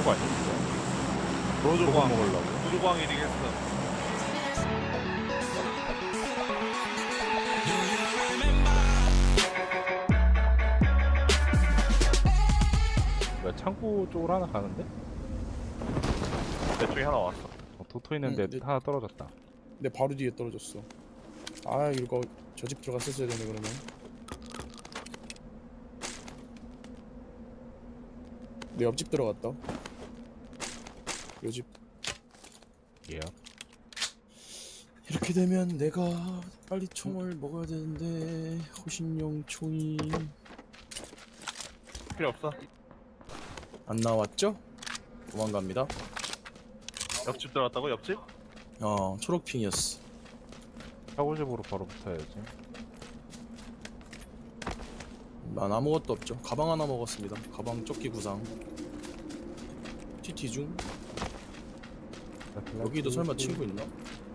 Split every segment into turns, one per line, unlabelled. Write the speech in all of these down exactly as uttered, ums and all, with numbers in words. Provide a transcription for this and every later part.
거 아니야 진짜?
로조광
먹으려고.
로조광 일이겠어.
뭐야 창고 쪽으로 하나 가는데?
내 쪽에 하나 왔어.
어, 도토 있는데
응, 네.
하나 떨어졌다.
내 바로 뒤에 떨어졌어. 아 이거 저 집 들어갔었어야 되네 그러면. 내 옆집 들어갔다. 요 집.
예.
이렇게 되면 내가 빨리 총을 먹어야 되는데 호신용 총이
필요 없어.
안 나왔죠? 도망갑니다.
옆집 들어갔다고? 옆집?
어 초록핑이었어.
사고집으로 바로 붙어야지.
난 아무것도 없죠. 가방 하나 먹었습니다. 가방 조끼 구상. 티티 중. 여기도 설마 친구 있나?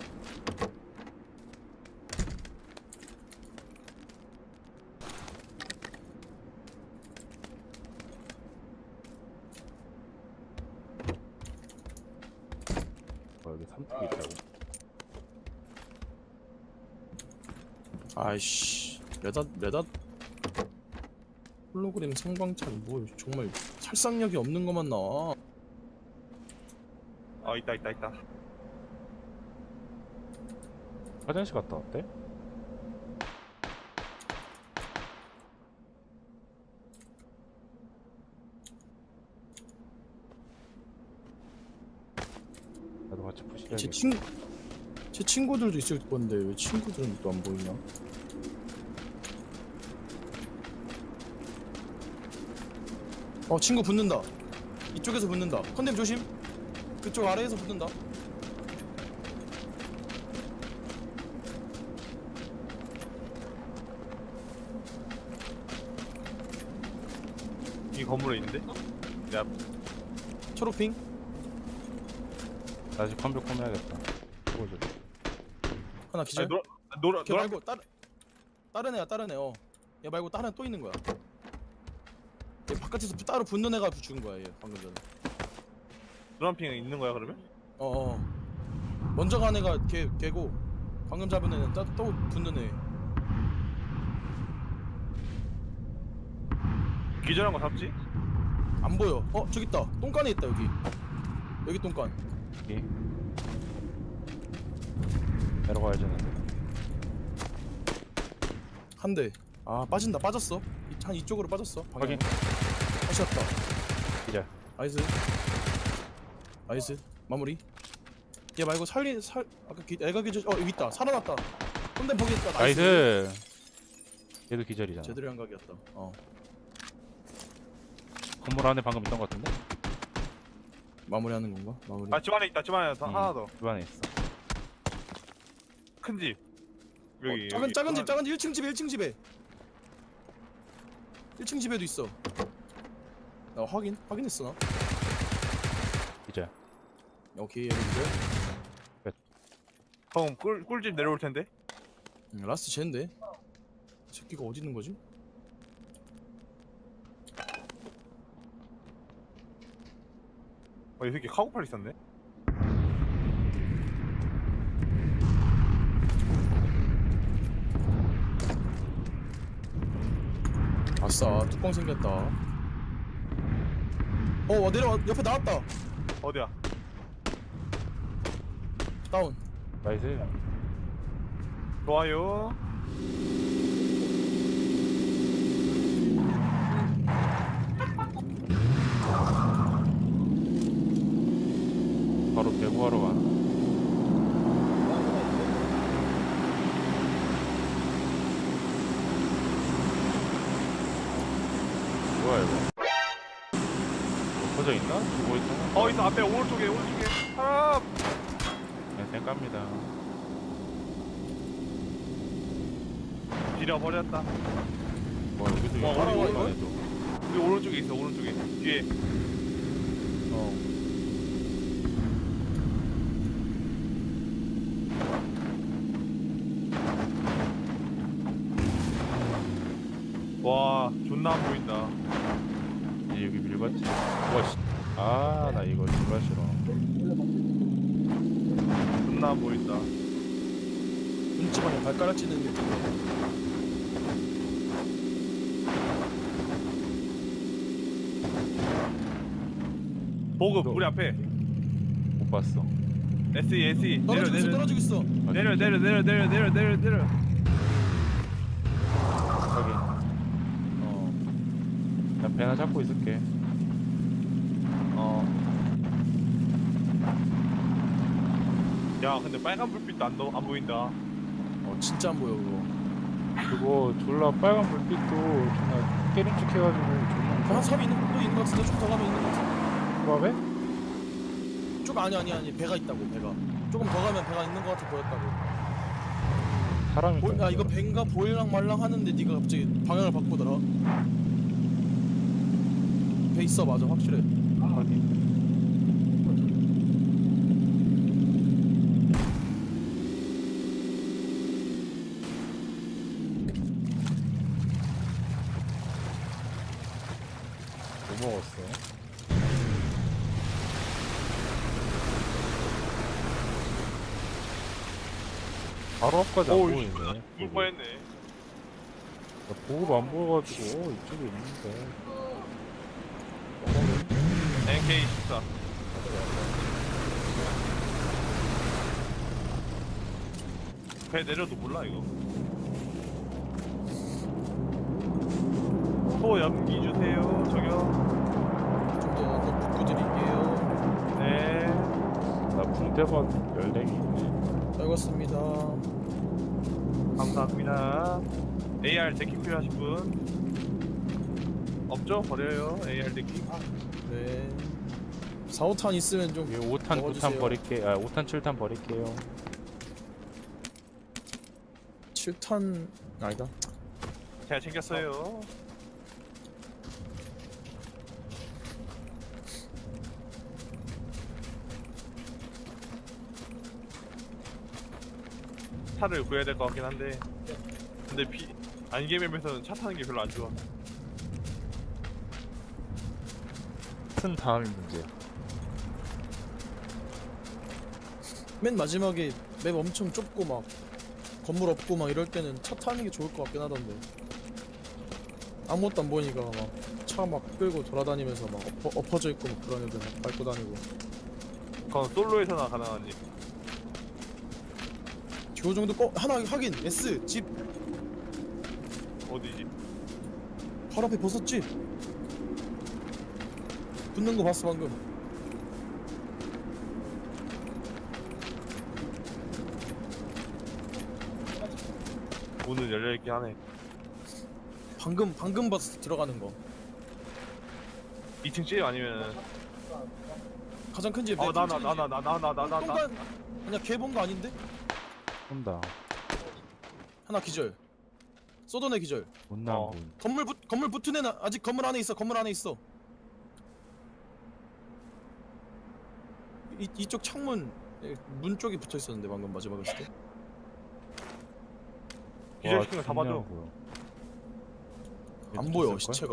어, 여기 삼뚝이 있다고.
아이씨 메닷 메닷 홀로그램 성광탄 뭐 정말 살상력이 없는 것만 나와.
아 있다 있다 있다.
화장실 갔다 왔대? 나도 같이
제
푸시해야겠다.
친, 제 친구들도 있을 건데 왜 친구들은 또 안 보이냐? 어 친구 붙는다. 이쪽에서 붙는다. 컨뎀 조심. 그쪽 아래에서 붙는다.
이 건물에 있는데? 야
초록핑.
다시 컴퓨터 해야겠다. 보여줘.
하나 기절.
아니, 노라 노라
걔
노라
말고 다른 다른 애야 다른 애. 어. 얘 말고 다른 애 또 있는 거야. 얘 바깥에서 따로 붙는 애가 죽은 거야 얘 방금 전에.
노란핑 있는 거야 그러면?
어, 어. 먼저 간 애가 걔 걔고 방금 잡은 애는 또, 또 붙는 애.
기절한 거 잡지?
안 보여. 어 저기 있다. 똥간에 있다 여기. 여기 똥간.
여기. 내려가야지 는데.
한 대. 아 빠진다. 빠졌어. 이- 한 이쪽으로 빠졌어. 방향.
확인.
다시 왔다.
기절.
나이스. 나이스. 마무리. 얘 말고 살리 살 아까 기, 애가 기절. 어 여기 있다. 살아났다. 근데 거기 있다. 나이스.
나이스. 얘도 기절이잖아.
제대로 한각이었다. 어.
건물 안에 방금 있던 것 같은데?
마무리하는 건가? 마무리.
아 집 안에 있다. 집 안에 더
음,
하나 더.
집 안에 있어.
큰 집. 여기
어, 작은
여기.
작은 집 작은 집 일 층 집에 일 층 집에 일 층 집에도 있어. 나 확인 확인했어 나.
기절.
오케이 얘들 이제
형 꿀 꿀집 내려올 텐데.
음, 라스트 쟤인데 새끼가 어디 있는 거지?
어, 이 새끼 카고팔 있었네.
아싸 뚜껑 생겼다. 어 내려와 옆에 나왔다.
어디야?
다운.
나이스.
좋아요.
바로 배구하러 가나? 뭐야 이거? 뭐 퍼져 있나? 죽어 있나?
어 있어 앞에 오른쪽에 오른쪽에 사람.
그냥 쌩 깝니다.
지려버렸다.
뭐 여기도
와,
있고
와, 와,
이거
와.
안에도.
우리 오른쪽에 있어 오른쪽에 뒤에.
어.
와 존나 안 보인다.
이제 여기 밀봤지? 와씨 아, 나 이거 정말 싫어.
존나 안 보인다.
눈치 방에 발가락 찌는 게 좋아.
보급
너-
우리 앞에.
못 봤어.
에스이 에스이. 내려
떨어지고 있어
내려
떨어지고 있어.
내려 내려 내려 내려 내려 내려 내려.
확인.
어.
나 배나 잡고 있을게.
어. 야 근데 빨간 불빛도 안, 너, 안 보인다.
어 진짜 안 보여 그거.
그거 졸라 빨간 불빛도 존나 깨름직해가지고
한
존나
섬이 있는 또 있는 것 같은데 좀 더 가면 있는 것 같은데.
무섭해?
쭉 아니 아니 아니 배가 있다고 배가. 조금 더 가면 배가 있는 것 같아 보였다고.
사람이
보, 야 이거 배인가 보일랑 말랑 하는데 네가 갑자기 방향을 바꾸더라. 배 있어 맞아 확실해.
확인. 뭐 먹었어? 바로 앞까지 안
오,
보이네.
죽을
보급.
뻔했네.
나 보급 안 보여가지고 이쪽에 있는데.
엔케이 십사. 배 내려도 몰라 이거. 소 연기 주세요. 저기요.
좀더 더 붙고 드릴게요.
네.
나 붕대박 열랭이 있네.
알겠습니다.
감사합니다. 에이알 데킥 필요하신 분 없죠? 버려요. 에이알 데킥.
네. 사, 오탄 있으면 좀
이거 오 탄, 구 탄
먹어주세요.
버릴게. 아, 오 탄, 칠 탄 버릴게요.
칠 탄 아니다.
제가 챙겼어요. 차를 구해야 될 것 같긴 한데 근데 비 안개맵에서는 차 타는 게 별로 안 좋아.
큰 다음이 문제야.
맨 마지막에 맵 엄청 좁고 막 건물 없고 막 이럴 때는 차 타는 게 좋을 것 같긴 하던데 아무것도 안 보이니까 막 차 막 끌고 돌아다니면서 막 엎어, 엎어져 있고 막 그런 애들 막 밟고 다니고.
그건 솔로에서나 가능하지.
저 정도 거 하나 하긴 S 집
어디지?
바로 앞에 버섯집 붙는 거 봤어 방금.
문은 열려있긴 하네.
방금 방금 봤어 들어가는 거.
이 층 집 아니면
가장 큰 집.
어 나 나 나 나 나 나 나 나 나
똥간 아니야 걔 본 거 아닌데?
온다.
하나 기절. 쏘던 애 기절.
못나
어.
본.
건물 붙 건물 붙은 애는 아직 건물 안에 있어. 건물 안에 있어. 이 이쪽 창문 에, 문 쪽에 붙어 있었는데 방금 마지막에 했을 때.
기절시킨 거 잡아줘.
안 보여 시체가.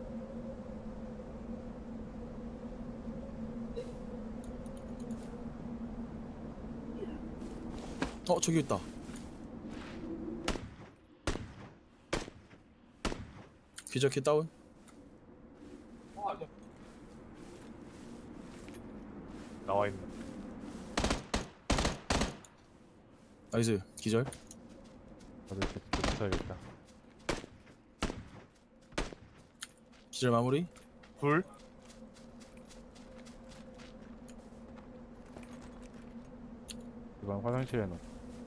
어 저기 있다. 기적해 다운.
나와 있네.
나이스 기절.
다들 이렇게 붙어야겠다.
기절 마무리.
둘.
이번 화장실에 넣어.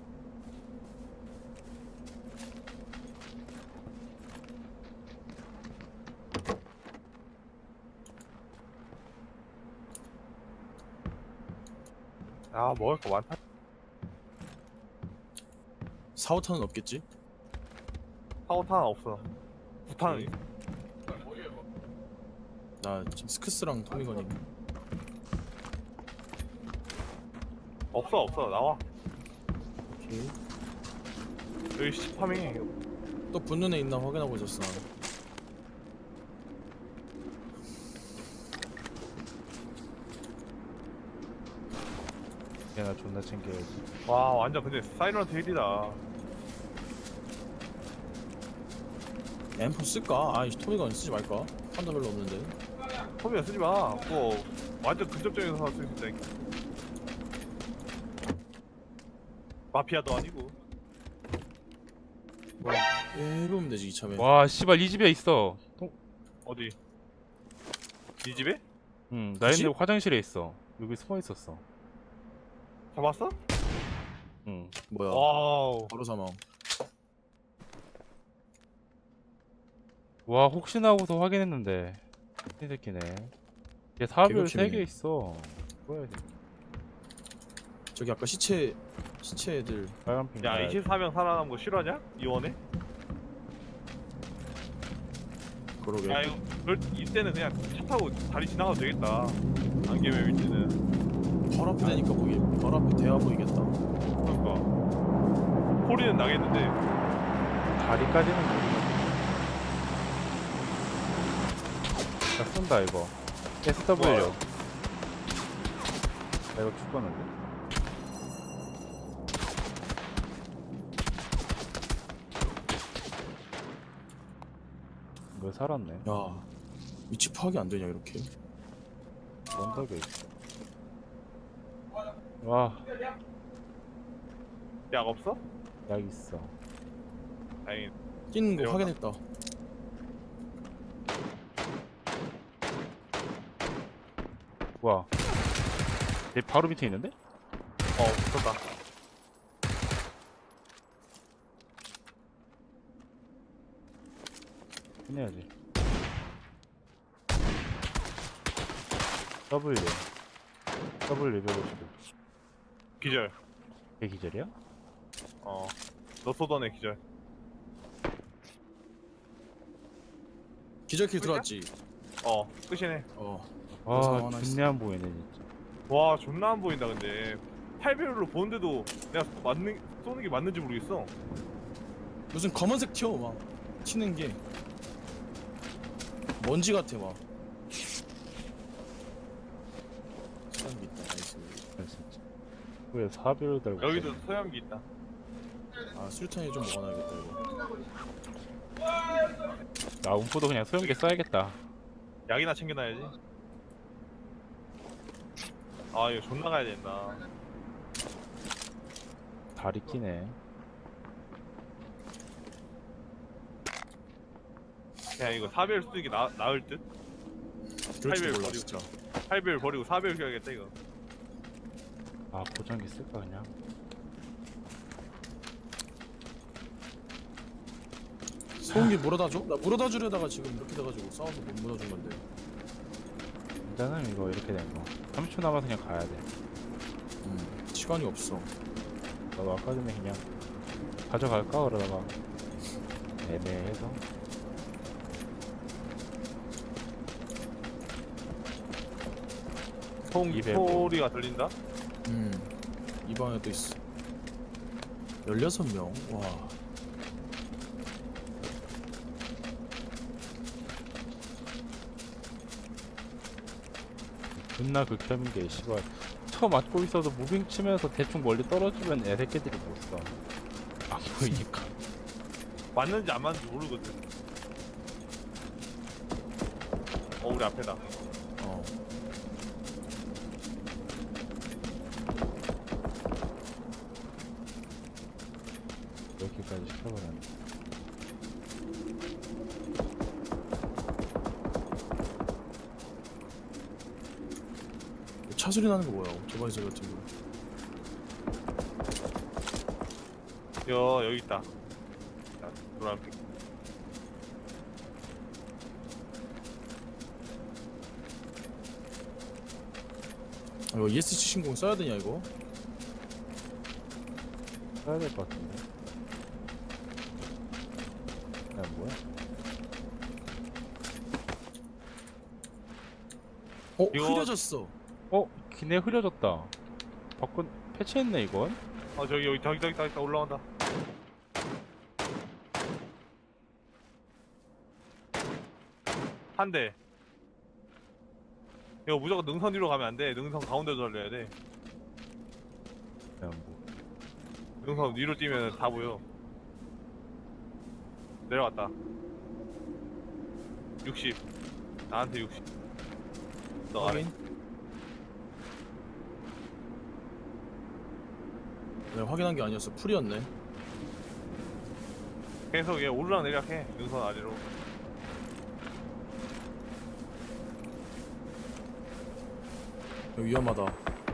아 먹을 거 많다.
사, 오탄은 없겠지?
사오탄 없어. 구탄은 있어.
나 지금 스크스랑 토미건이.
없어 없어 나와.
오케이.
여기 시파밍해.
또 붙는 애 있나 확인하고 있었어. 나는.
얘나 존나 챙겨야지.
와 완전 근데 사이런트 힐이다.
엠포 쓸까? 아이 토미건 쓰지 말까? 판도 별로 없는데.
소미야 쓰지 마. 그거 완전 근접적인 사쓸 수 있다. 마피아도 아니고.
해보면 되지 이참에.
와 씨발 이 집에 있어. 통...
어디? 네 집에?
응, 나
그치?
있는데 화장실에 있어. 여기 숨어 있었어.
잡았어?
응.
뭐야?
와우.
바로 사망.
와 혹시나 하고서 확인했는데 이 새끼네. 얘 사별 세 개
개벽심이네.
있어. 뭐야 돼?
저기 아까 시체 시체 애들.
빨간 핑.
야 이십사 명 살아남은 거 실화냐? 이원에?
그러게.
야 이거 그럴 이때는 그냥 차 타고 다리 지나가도 되겠다. 안개맵 위치는.
바로 앞에 되니까 보기. 바로 앞에 대야 보이겠다.
그러니까 소리는 나겠는데.
다리까지는 모르겠어. 나 쏜다 이거. 에스더블유.
뭐야?
나 이거 죽었는데? 왜 살았네?
야 위치 파악이 안 되냐 이렇게.
언덕에 있어. 와,
약 없어?
약 있어.
다행히.
뛰는 거
내려온다.
확인했다.
뭐야? 내 바로 밑에 있는데?
어 붙었다.
끝내야지. W. W 백오십오.
기절.
걔 기절이야?
어. 너 쏘던 애 기절.
기절킬 들어왔지.
어 끝이네.
어.
아,
상황 하나
존내 안 보이네 진짜.
와 존나 안 보인다 근데. 팔 배율로 보는데도 내가 맞는 쏘는 게 맞는지 모르겠어.
무슨 검은색 튀어 막 튀는 게 먼지 같아 막. 사람이 있다. 나이스.
아, 진짜. 왜 사비를 달고?
여기도
있어?
소염기 있다.
아 술탄이 좀 먹어놔야겠다 이거.
나 움포도 그냥 소형기 써야겠다.
약이나 챙겨놔야지. 아 이거 존나 가야 된다.
다리 끼네.
그냥 이거 사 배율 쓰는 게 나, 나을 듯?
그럴지도
팔 배율
몰라
버리고.
진짜.
팔 배율 버리고 사 배율 껴야겠다 이거.
아 보정기 쓸까 그냥?
소음기 물어다 줘? 나 물어다 주려다가 지금 이렇게 돼가지고 싸워서 못 물어준 건데.
일단은 이거 이렇게 된 거. 삼십 초 남아서 그냥 가야 돼.
음 시간이 없어.
나도 아까 전에 그냥 가져갈까 그러다가 애매해서.
송
이백오.
소리가 들린다?
음이 방에 또 있어. 열여섯 명. 와.
존나 극혐인 게 씨발 처 맞고 있어도 무빙 치면서 대충 멀리 떨어지면 애새끼들이 못 써. 안 보이니까.
맞는지 안 맞는지 모르거든. 어 우리 앞에다.
어.
이렇게까지 시켜버렸네.
차 소리 나는 거 뭐야? 오토바이 소리 같은 거.
여 여기 있다. 자, 노란빛.
아, 이거 이에스씨 신공 써야 되냐 이거?
써야 될 것 같은데. 야 뭐야?
어
이거-
흐려졌어.
어? 기내 흐려졌다. 바꾼 패치했네 이건?
어 저기 여기 저기 저기 저기 올라온다. 한 대. 이거 무조건 능선 뒤로 가면 안 돼. 능선 가운데로 달려야 돼. 능선 위로 뛰면 다 보여. 내려갔다. 육십. 나한테 육십. 너 아래.
확인. 내가 확인한 게 아니었어. 풀이었네.
계속 얘 오르락 내리락 해. 능선 아래로.
여기 위험하다.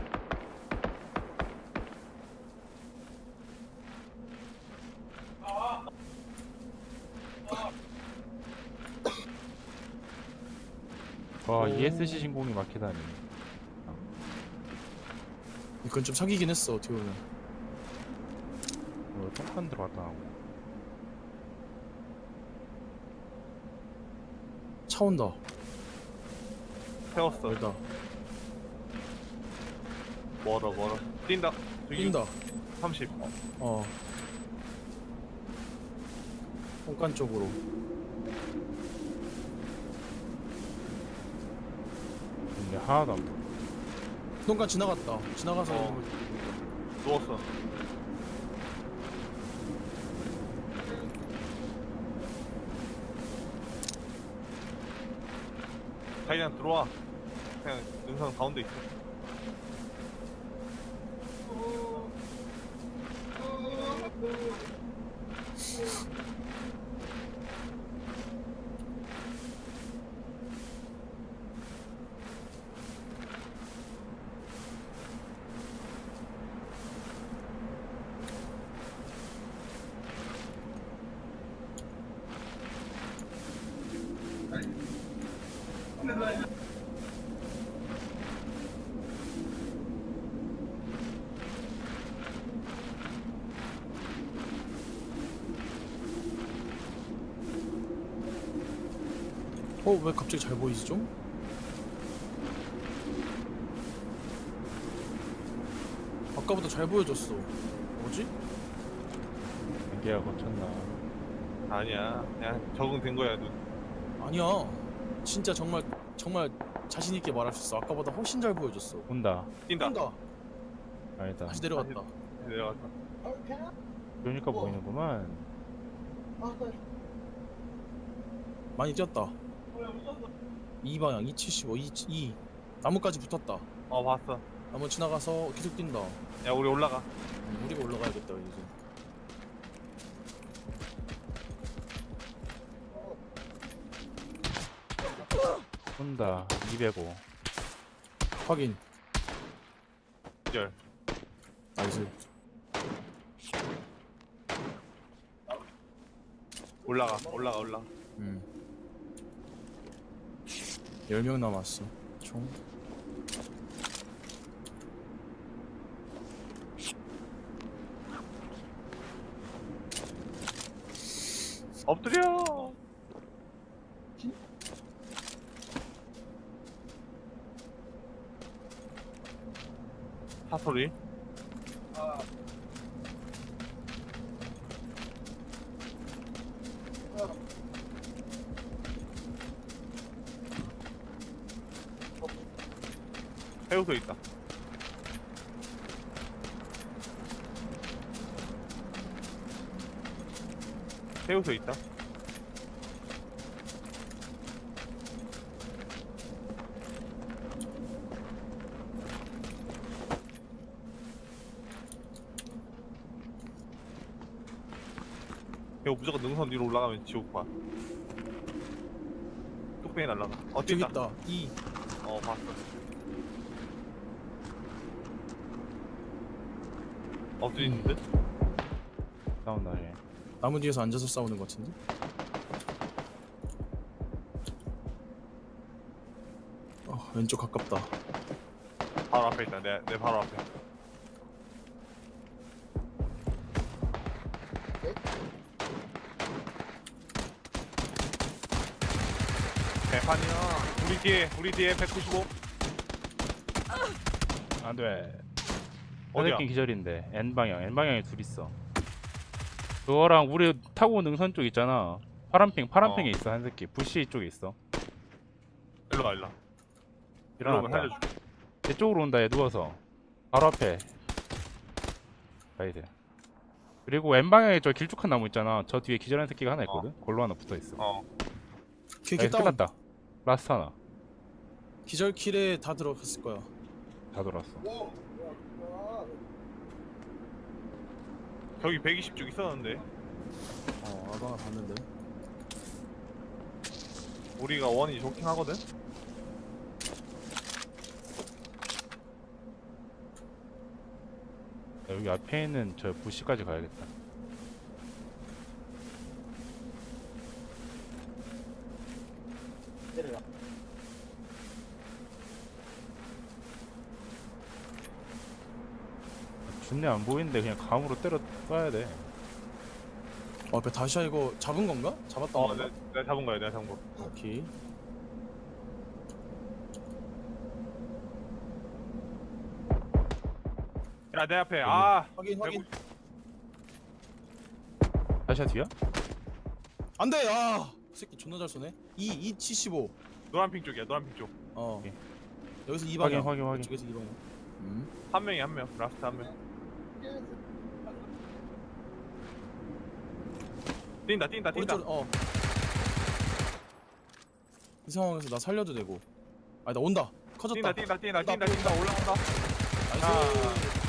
와
오.
이에스씨 신공이 막히다니.
이건 좀 사기긴 했어. 어떻게 보면.
뭐 똥간 들어갔다 나오고.
차 온다.
세웠어.
멀다.
멀어 멀어. 뛴다. 저기
뛴다.
삼십.
어. 똥간 쪽으로.
근데 하나도 안 보여.
똥간 지나갔다. 지나가서
어.
있는 걸
누웠어. 자기 그냥 들어와. 그냥 능선 가운데 있어.
어, 왜 갑자기 잘 보이지 좀? 아까보다 잘 보여졌어. 뭐지?
안개가 거쳤나.
아니야. 그냥 적응된 거야. 눈.
아니야. 진짜 정말 정말 자신 있게 말할 수 있어. 아까보다 훨씬 잘 보여졌어.
온다.
뛴다.
뛴다.
아니다.
다시 내려갔다.
내려갔다.
그러니까 보이는구만.
많이 뛰었다. 이 방향 이백칠십오, 이, 이 나무까지 붙었다.
어 봤어.
나무 지나가서 계속 뛴다.
야 우리 올라가.
음, 우리가 올라가야겠다 이제.
온다. 이백오.
확인.
기절.
나이스.
올라가. 올라가 올라가.
음. 열 명 남았어. 총.
엎드려. 사소리. 해우소 있다. 해우소 있다. 이거 무조건 능선 위로 올라가면 지옥 봐. 뚝배기 날라가. 어
저기
뛴다.
있다. 이.
어 봤어. 엎드리는데?
싸운다 얘.
나무 뒤에서 앉아서 싸우는 것 같은데? 어, 왼쪽 가깝다.
바로 앞에 있다. 내, 내 바로 앞에. 대판이야. 우리 뒤에, 우리 뒤에 백구십오.
안돼.
어디야?
어저께 기절인데 N 방향. N 방향에 둘 있어. 그거랑 우리 타고 온 능선 쪽 있잖아. 파란핑 파란핑에
어.
있어 한 새끼. 부시 쪽에 있어.
일로 가, 일로 와. 일로 오면
일어났다.
살려줄게.
내 쪽으로 온다 얘 누워서. 바로 앞에. 가이드. 그리고 왼방향에 저 길쭉한 나무 있잖아. 저 뒤에 기절한 새끼가 하나 있거든. 골로 하나 붙어 있어.
어.
걔걔
나이스,
다운.
끝났다. 라스트 하나.
기절 킬에 다 들어갔을 거야.
다 돌았어.
저기 백이십 쪽 있었는데
어 아까 봤는데.
우리가 원이 좋긴 하거든.
야, 여기 앞에 있는 저 부시까지 가야겠다. 준내 안 보이는데 그냥 감으로 때려 쏴야 돼.
어 앞에 다시야 이거 잡은 건가? 잡았던
어,
건가?
내가, 내가 잡은 거야, 내가 잡은 거.
오케이.
야, 내 앞에. 아,
확인 확인.
다시야 뒤야?
안돼. 아 새끼 존나 잘 쏘네. 이 이 칠십오.
노란 핑 쪽이야, 노란 핑 쪽.
어.
오케이.
여기서 이
확인,
방향.
확인, 확인.
이쪽에서 이 방향. 음.
한 명이 한 명, 라스트 한 명. 뛴다, 뛴다, 뛴다.
오른쪽 어. 이 상황에서 나 살려도 되고. 아니 나 온다. 커졌다.
뛴다, 뛴다, 뛴다,
온다,
뛴다, 뛴다, 올라간다.
나이스.
아.